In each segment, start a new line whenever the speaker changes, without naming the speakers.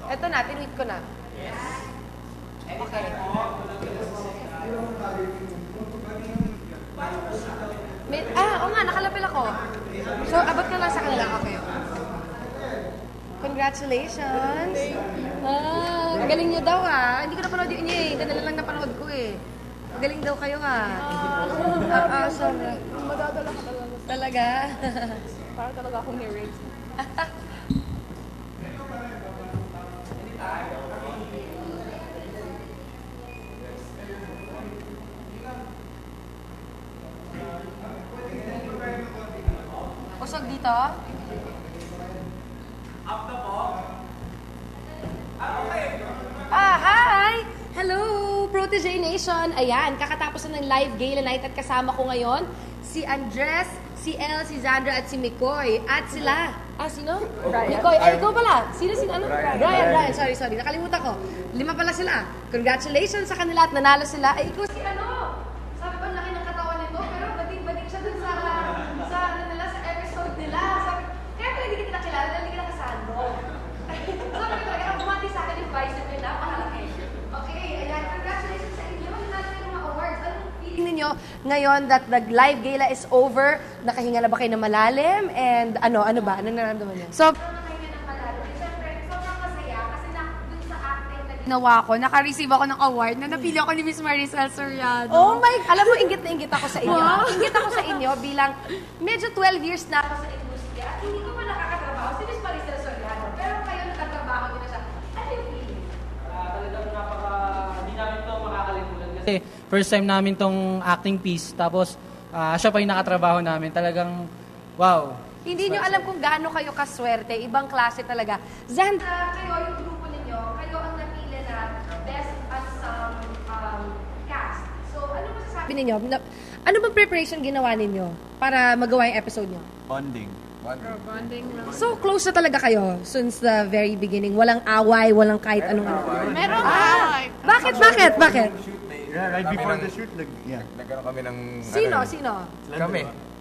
Eto na, tinweet ko na. Okay. Oo nga, nakalapil ako. So, abot ka lang sa kanila. Okay. Congratulations! Ang galing niyo daw Hindi ko napanood yun Ganala lang napanood ko Ang galing daw kayo Sorry.
Madadala ka talaga.
Talaga?
Para talaga akong narrate.
Usog dito? Hi! Hello, Protege Nation! Ayan, kakatapos na ng live gala night at kasama ko ngayon si Andres, si El, si Zandra at si Mikoy. At sila, sino?
Brian.
Mikoy, ikaw pala. Sino? Brian. Sorry. Nakalimutan ko. 5 pala sila. Congratulations sa kanila at nanalo sila. Ikaw si Sabi ko, laki ng katawan nito, pero bating-bating siya dun sa episode nila. Kaya pala hindi kita kilala, dahil hindi kita kasando. Sabi ko talaga, bumati sa akin yung bicep nila, mahalaki. Okay, ayan, congratulations sa inyo. Nanalo kayo ng mga awards. Anong feeling ninyo ngayon that the live gala is over? Nakahinga na ba kayo ng malalim? And ano ba? Anong nararamdaman niyo? Nakahinga ng malalim. Siyempre, sobrang masaya kasi dun sa acting na
ginawa ko, naka-receive ako ng award na napili ako ni Miss Maricel Soriano.
Oh my, alam mo, inggit na inggit ako sa inyo. Inggit ako sa inyo bilang medyo 12 years na ako sa industriya at hindi ko pa nakakatrabaho si Miss Maricel Soriano. Pero kayo nakatrabaho din na siya. Ano yung feeling?
Talagang hindi namin ito makakalimutan kasi first time namin tong acting piece. Tapos siya pa yung nakatrabaho namin. Talagang wow.
Hindi nyo alam kung gaano kayo kaswerte. Ibang klase talaga. Zandra, kayo, yung grupo ninyo, kayo ang napili na best ensemble cast. So, ano masasabi ninyo? Ano bang preparation ginawa ninyo para magawa yung episode nyo?
Bonding.
Bonding lang.
So, close na talaga kayo since the very beginning. Walang away, walang kahit anong ano.
Meron
Bakit?
Yeah, right before the shoot,
Nagkaroon kami ng...
Sino?
Kami.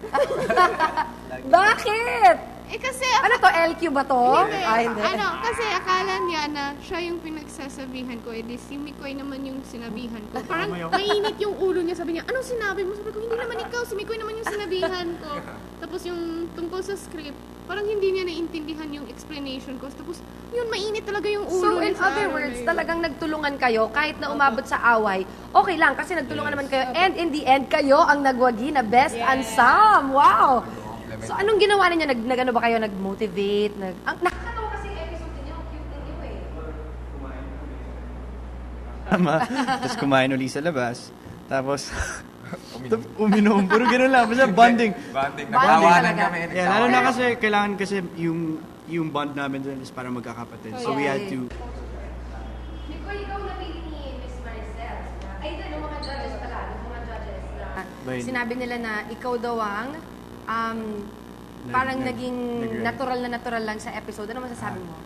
Bakit?
Kasi
Ano to? LQ ba to? Hindi.
Kasi akala niya na siya yung pinagsasabihan ko, edi si Mikoy naman yung sinabihan ko. Parang mainit yung ulo niya, sabi niya, anong sinabi mo? Sabi ko, hindi naman ikaw, si Mikoy naman yung sinabihan ko. Tapos yung tungkol sa script, parang hindi niya naintindihan yung explanation ko. Tapos yun, mainit talaga yung ulo.
So, in other words, talagang nagtulungan kayo kahit na umabot sa away. Okay lang, kasi nagtulungan naman kayo. And in the end, kayo ang nagwagi na best ensemble. Wow! So, anong ginawa ninyo? Nag-ano ba kayo? Nag-motivate? Nakakatawa kasi yung episode ninyo. Cute ninyo
Tama. Tapos kumain uli sa labas. Tapos, uminom. Puro ganun lang. Basta bonding.
Nagtawanan kami.
Yeah, lalo na kasi, kailangan kasi yung bond namin dun is para magkakapatid. So we had to...
Mikoy, ikaw napili ni Miss Maricel. Ay, ito, mga judges pala. Mga judges na sinabi nila na ikaw daw ang parang naging natural lang sa episode. Ano masasabi mo?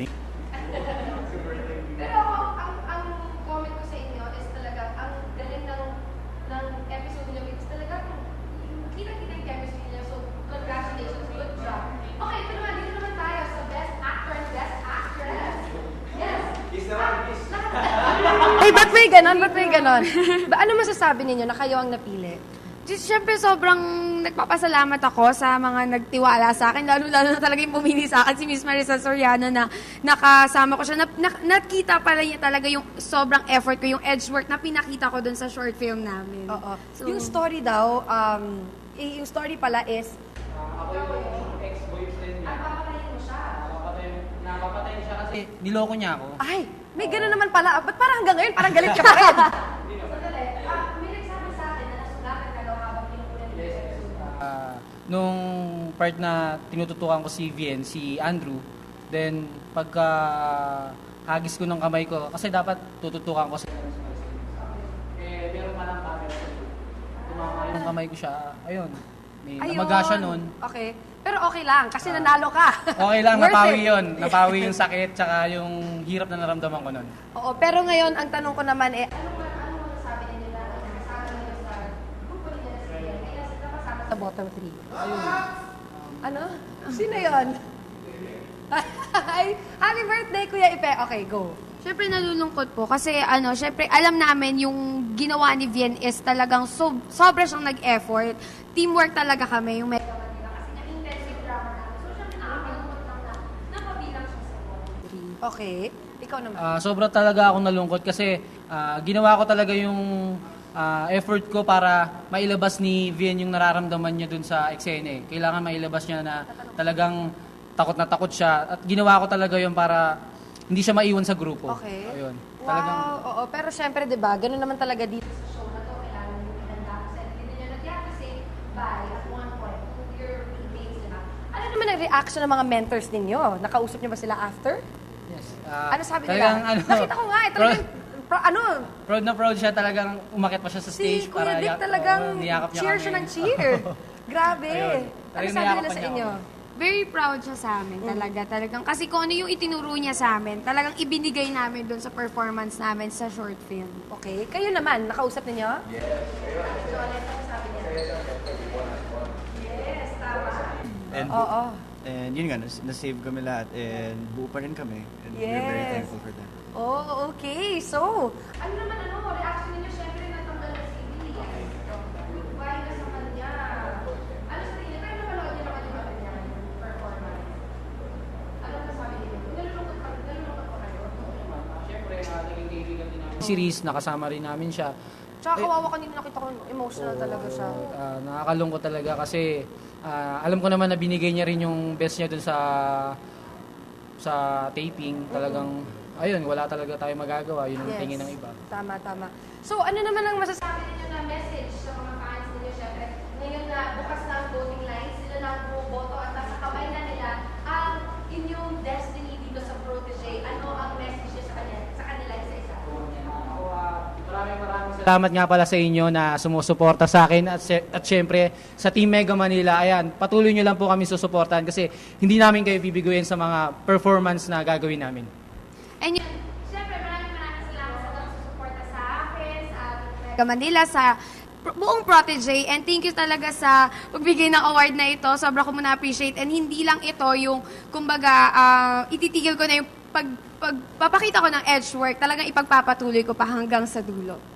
Pero ang comment ko sa inyo is talaga, ang galing ng episode niyo is talaga, kita-kita yung chemistry niyo. So, congratulations, good job. Okay, dito naman tayo sa Best Actor and Best Actress. Yes! Ay, ba't may ganon? Ano masasabi ninyo na kayo ang napili?
Siyempre, sobrang nagpapasalamat ako sa mga nagtiwala sa akin. Lalo-lalo na talaga yung pumili sa akin si Miss Maricel Soriano na nakasama ko siya. Nakita pala niya talaga yung sobrang effort ko, yung edge work na pinakita ko dun sa short film namin.
Oo.
So,
Yung story daw, yung story pala is,
Ako yung ex-boyfriend niya.
papatayin mo siya.
Napapatay siya kasi niloko niya ako.
Ay, may gano'n naman pala. Ba't parang hanggang ngayon, parang galit ka pa rin? Sandali, may nagsabi sa akin na nasulatan ka daw habang pinukunan niyo sa episode.
Nung part na tinututukan ko si Vien, si Andrew, then pagka hagis ko ng kamay ko, kasi dapat tututukan ko si meron pa lang camera. Tumama yung kamay ko siya, ayun. May namaga siya nun.
Okay. Pero okay lang, kasi nanalo ka.
Okay lang,
Worth
napawi
it.
yun. Napawi yung sakit, tsaka yung hirap na naramdaman ko nun.
Oo, pero ngayon, ang tanong ko naman ano masasabi ninyo na nakasama ninyo sa grupo ninyo na si Ian? Kaya sila kasama sa bottom 3. Ano? Sino yun? Ay, happy Happy birthday, Kuya Ipe. Okay, go.
Siyempre nalulungkot po kasi siyempre alam namin yung ginawa ni Vien is talagang sobra siyang nag-effort. Teamwork talaga kami, yung Mega Manila kasi nag-intensive drama namin. So siyempre nakakalungkot lang na napabilang siya sa wall.
Okay. Ikaw naman.
Sobra talaga akong nalungkot kasi ginawa ko talaga yung effort ko para mailabas ni Vien yung nararamdaman niya dun sa eksena. Kailangan mailabas niya na talagang takot na takot siya. At ginawa ko talaga yun para hindi siya maiwan sa grupo.
Okay.
Ayun.
Wow, oo. Pero syempre, di ba, ganun naman talaga dito sa show na to. Kailangan yung pinanda ko sa hindi nyo nag-have to say bye at one point to your teammates, di ba? Ano naman ang reaction ng mga mentors ninyo? Nakausap nyo ba sila after?
Yes.
Ano sabi nila?
talagang,
Nakita ko nga eh. Talagang,
proud na proud siya. Talagang umakyat pa siya sa stage.
si Kuya Dick talagang
niyakap niya
cheer
kami.
siya ng cheer. Grabe.
Ayun.
Ano
Talagang
sabi
niyakap
nila
pa
sa
niya
inyo?
ako.
Very proud siya sa amin talagang. Kasi kung ano yung itinuro niya sa amin, talagang ibinigay namin doon sa performance namin sa short film.
Okay. Kayo naman, nakausap ninyo?
And,
Oo.
and yun nga, nasave kami lahat and buo pa rin kami. And we're very
Yes.
thankful for that.
Oh, okay. So, ano naman reaction ninyo? Siyempre, natanggal na si Billy. Goodbye na sa kanya. Ano sa tingin? Pero napanood niyo naman yung kanya performance. Ano nasabi niyo? Nalulungkot pa kayo?
Siyempre, naging kaibigan din namin. Si Reese, nakasama rin namin siya.
Tsaka kawawa kanina nakita ko, emotional talaga siya.
Nakakalungkot talaga kasi alam ko naman na binigay niya rin yung best niya dun sa taping. Talagang, ayun, wala talaga tayo magagawa. Yun ang tingin ng iba.
Tama, tama. So, ano naman ang masasabi ninyo na message sa mga fans ninyo? Siyempre, ngayon na bukas na ang voting lines, sila na ang bumoboto at nasa kamay na nila ang inyong destiny dito sa Protégé. Ano ang message niyo sa kanila isa-isa?
Maraming salamat nga pala sa inyo na sumusuporta sa akin at syempre sa Team Mega Manila. Ayan, patuloy nyo lang po kami susuportahan kasi hindi namin kayo bibiguin sa mga performance na gagawin namin.
And yun, siyempre maraming salamat sa pagsusuporta sa akin, sa Mega Manila, sa buong Protégé, and thank you talaga sa pagbigay ng award na ito. Sobra ko na-appreciate, and hindi lang ito yung, kumbaga, ititigil ko na yung pagpapakita ko ng edge work, talagang ipagpapatuloy ko pa hanggang sa dulo.